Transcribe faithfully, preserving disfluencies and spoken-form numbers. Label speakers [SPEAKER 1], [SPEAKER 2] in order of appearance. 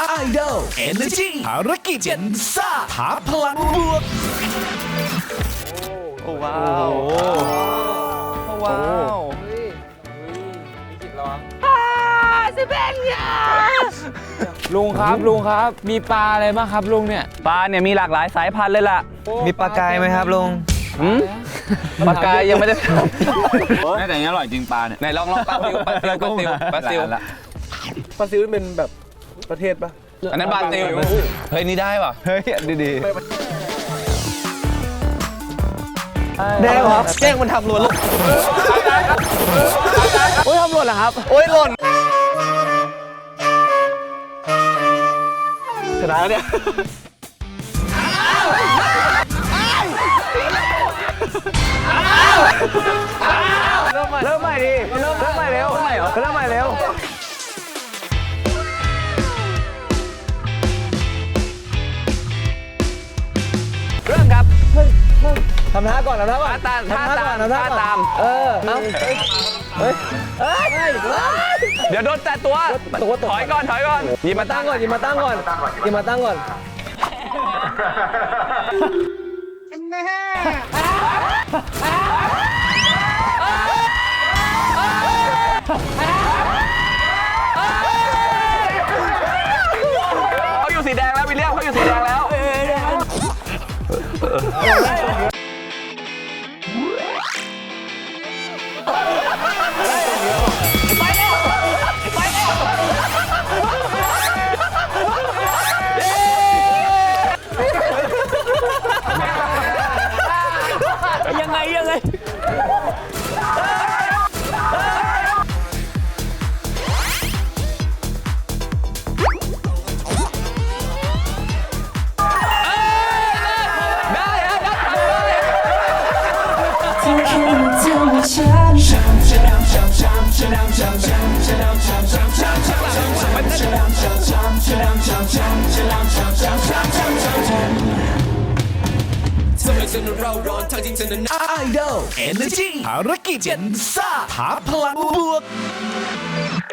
[SPEAKER 1] ไอดอลเอเนอร์จีภารกิจเจนซ่าหาพลังบวก
[SPEAKER 2] โอ้ว้าวโอ้ว้าวลุงครับลุงครับมีปลาอะไรบ้างครับลุงเนี่ยปลาเนี่ยมีหลากหลายสายพันธุ์เลยล่ะ
[SPEAKER 3] มีปลากายไหมครับลุง
[SPEAKER 2] ปลากายยังไม่ได้ไม่แต่นี้อร่อยจริงปลาเนี่ยไหนลองลองปลาซิวปลาซิวปลาซิวปลาซิว
[SPEAKER 4] ปลาซิวเป็นแบบประเทศปะ
[SPEAKER 2] อันนั้นปลาซิวเฮ้ยนี่ได้ป่ะ
[SPEAKER 3] เฮ้ยดีๆ
[SPEAKER 4] ได้ครับแจ้งมันทำหล่นแล้วโอ้ยทำหล่นเหรอครับโอ้ยหล่นชนะแล้วเนี่ยเริ่มใหม่เริ่มใหม่ดิเริ่มใหม่เร็วเริ่มใหม่เริ่มใหม่เร็ว
[SPEAKER 2] เริ่มครับ
[SPEAKER 4] ทำท่าก่อนทำท่าก่อน
[SPEAKER 2] ท่าตามท่าตามท่าตาม
[SPEAKER 4] เออเอาเฮ้ยเฮ้ย
[SPEAKER 2] เดี๋ยวโดนแตะตัวถอยก่อนถอยก่อน
[SPEAKER 4] หยิบมาตั้งก่อนหยิบมาตั้งก่อนหยิบมาตั้งก่อน
[SPEAKER 2] เขาอยู่สีแดงแล้ววิลเลียมเขาอยู่สีแดงแล้วยังไงยังไง
[SPEAKER 1] ไอดอลเอเนอร์จีภารกิจเจนซ่าหาพลังบวก